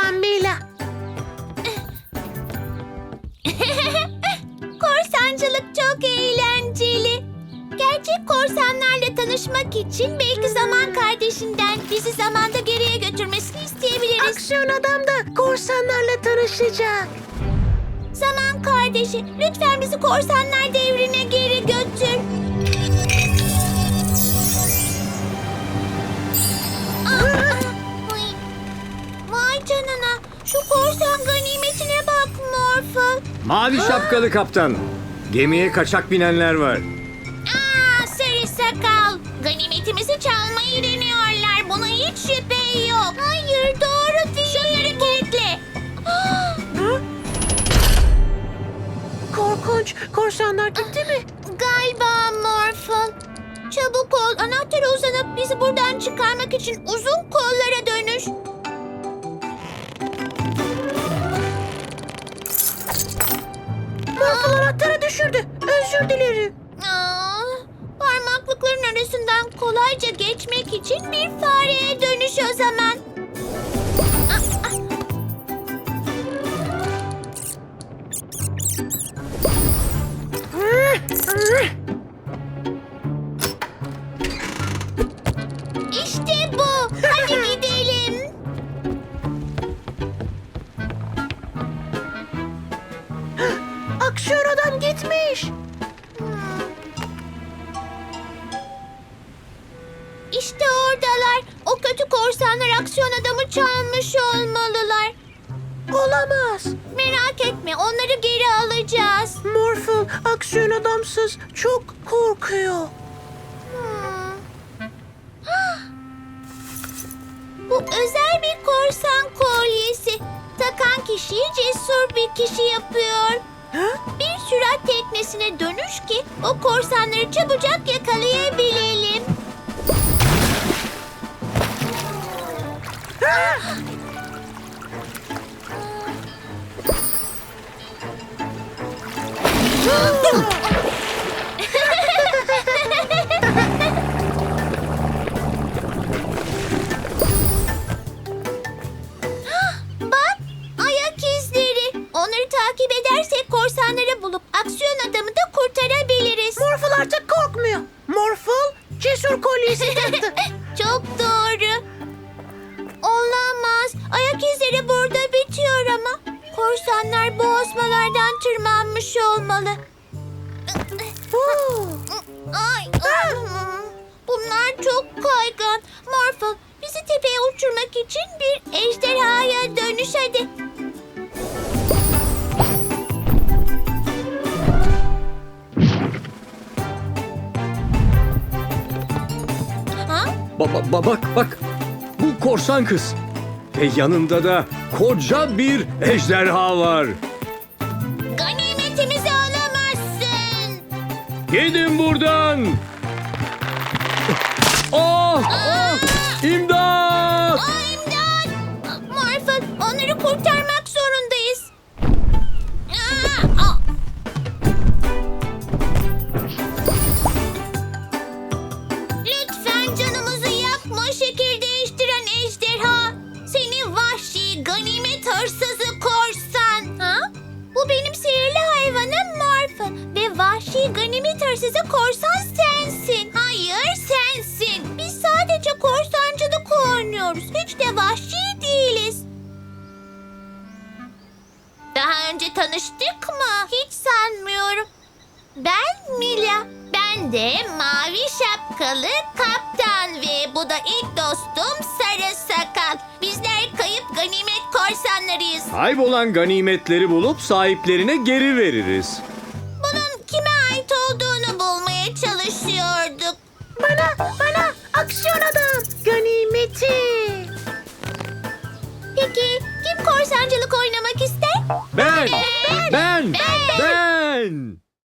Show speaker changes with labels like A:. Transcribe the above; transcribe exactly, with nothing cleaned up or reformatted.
A: zaman Mila.
B: Korsancılık çok eğlenceli. Gerçek korsanlarla tanışmak için belki Zaman kardeşinden bizi zamanda geriye götürmesini isteyebiliriz.
A: Aksiyon adam da korsanlarla tanışacak.
B: Zaman kardeşi, lütfen bizi korsanlar devrine geri götür. Aa, ay. Vay canına, şu korsan ganimetine bak Morphle.
C: Mavi şapkalı kaptan. Gemiye kaçak binenler var.
B: Aa, sarı sakal. Ganimetimizi çalmayı deniyorlar. Buna hiç şüphe yok. Hayır, doğru değil. Şunları kilitle.
A: Korkunç. Korsanlar gitti mi?
B: Galiba Morphle. Çabuk ol. Anahtara uzanıp bizi buradan çıkarmak için uzun kollara dönüş.
A: Morphle anahtarı düşürdü. Özür dilerim.
B: Aa, parmaklıkların arasından kolayca geçmek için bir fareye dönüş o zaman. Aa, aa. İşte bu. Hadi gidelim.
A: Aksiyon adam gitmiş.
B: İşte oradalar. O kötü korsanlar aksiyon adamı çalmış olmalılar.
A: Olamaz.
B: Merak etme, onları geri alacağız.
A: Morphle aksiyon adamsız çok korkuyor.
B: Hmm. Hah! Bu özel bir korsan kolyesi. Takan kişiyi cesur bir kişi yapıyor.
A: Ha?
B: Bir sürat teknesine dönüş ki o korsanları çabucak yakalayabilelim. Bak, ayak izleri. Onları takip edersek korsanları bulup aksiyon adamı da kurtarabiliriz.
A: Morphle artık korkmuyor. Morphle cesur kolyesi taktı.
B: Çok doğru. Olamaz. Ayak izleri burada bitiyor ama. Korsanlar bu osmalardan tırmanmış olmalı.
A: Oo.
B: Ay, ay. Bunlar çok kaygan. Morphle, bizi tepeye uçurmak için bir ejderhaya dönüş hadi. Ha?
C: Ba- ba- ba- bak bak. Bu korsan kız. Ve yanında da koca bir ejderha var.
B: Ganimetimizi alamazsın.
C: Gidin buradan. Oh! Oh! İmdat!
B: Aa, imdat! Morphle, onları kurtarmak zorundayız. Aa, aa. Lütfen canımızı yakma, şekil değiştiren ejderha. Seni vahşi, ganimet hırsızı korsan. Ha? Bu benim sihirli hayvanım Morphle. Ve vahşi ganimet hırsızı korsan sensin. Hayır, sensin. Biz sadece korsancılık oynuyoruz. Hiç de vahşi değiliz. Daha önce tanıştık mı? Hiç sanmıyorum. Ben Mila. Ben de mavi şapkalı kaptan ve bu da ilk dostum Sarı Sakal. Bizler kayıp ganimet korsanlarıyız.
C: Kaybolan ganimetleri bulup sahiplerine geri veririz.